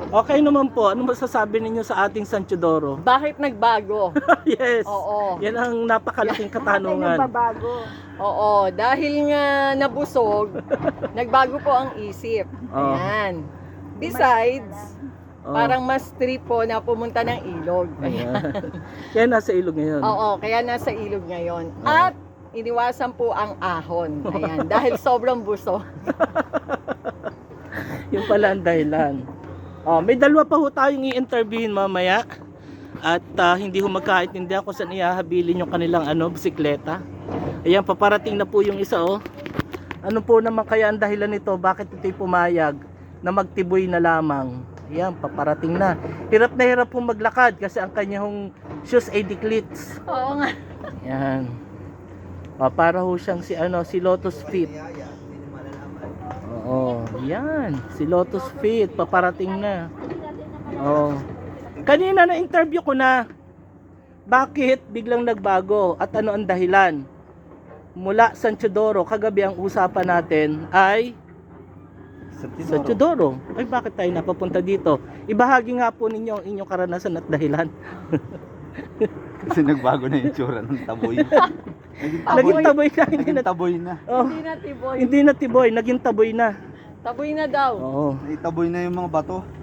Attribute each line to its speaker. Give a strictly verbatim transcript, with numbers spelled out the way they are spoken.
Speaker 1: Okay naman po, ano masasabi ninyo sa ating San Teodoro?
Speaker 2: Bakit nagbago?
Speaker 1: Yes.
Speaker 2: Oo.
Speaker 1: Yan ang napakalaking
Speaker 3: Bakit
Speaker 1: katanungan.
Speaker 3: nagbabago?
Speaker 2: Oo, dahil nga nabusog, nagbago po ang isip.
Speaker 1: Oo.
Speaker 2: Ayan. Besides,
Speaker 1: Oh.
Speaker 2: parang mas trip po na pumunta ng ilog.
Speaker 1: Ayan. Kaya nasa ilog ngayon.
Speaker 2: Oo, kaya nasa ilog ngayon.
Speaker 1: Oo.
Speaker 2: At iniwasan po ang ahon. Ayan, dahil sobrang buso.
Speaker 1: Yung pala ang dahilan. Oh, may dalawa pa ho tayong i-interviewin mamaya. At ah, hindi ho magkaintindihan kung saan ihahabilin yung kanilang ano, bisikleta. Ayan, paparating na po yung isa oh. Ano po naman kaya ang dahilan nito? Bakit ito'y pumayag na magtiboy na lamang? Ayan, paparating na. Hirap na hirap po maglakad kasi ang kanyang shoes ay declits.
Speaker 2: Oo nga.
Speaker 1: Ayan. Oh, para ho siyang si ano, si Lotus Fit. Oo, yan. Si Lotus Fit, paparating na. Oo. Kanina na interview ko na. Bakit biglang nagbago at ano ang dahilan? Mula San Teodoro, kagabi ang usapan natin ay San Teodoro. Ay bakit tayo napapunta dito? Ibahagi nga po ninyo ang inyong karanasan at dahilan.
Speaker 4: Kasi nagbago na yung tsura ng taboy.
Speaker 1: Naging taboy na, hindi
Speaker 4: Naging
Speaker 1: na.
Speaker 4: taboy na.
Speaker 1: Oh,
Speaker 2: Hindi na tiboy.
Speaker 1: hindi na tiboy, naging taboy na.
Speaker 2: Taboy na daw.
Speaker 1: Oo.
Speaker 4: Naitaboy na yung mga bato.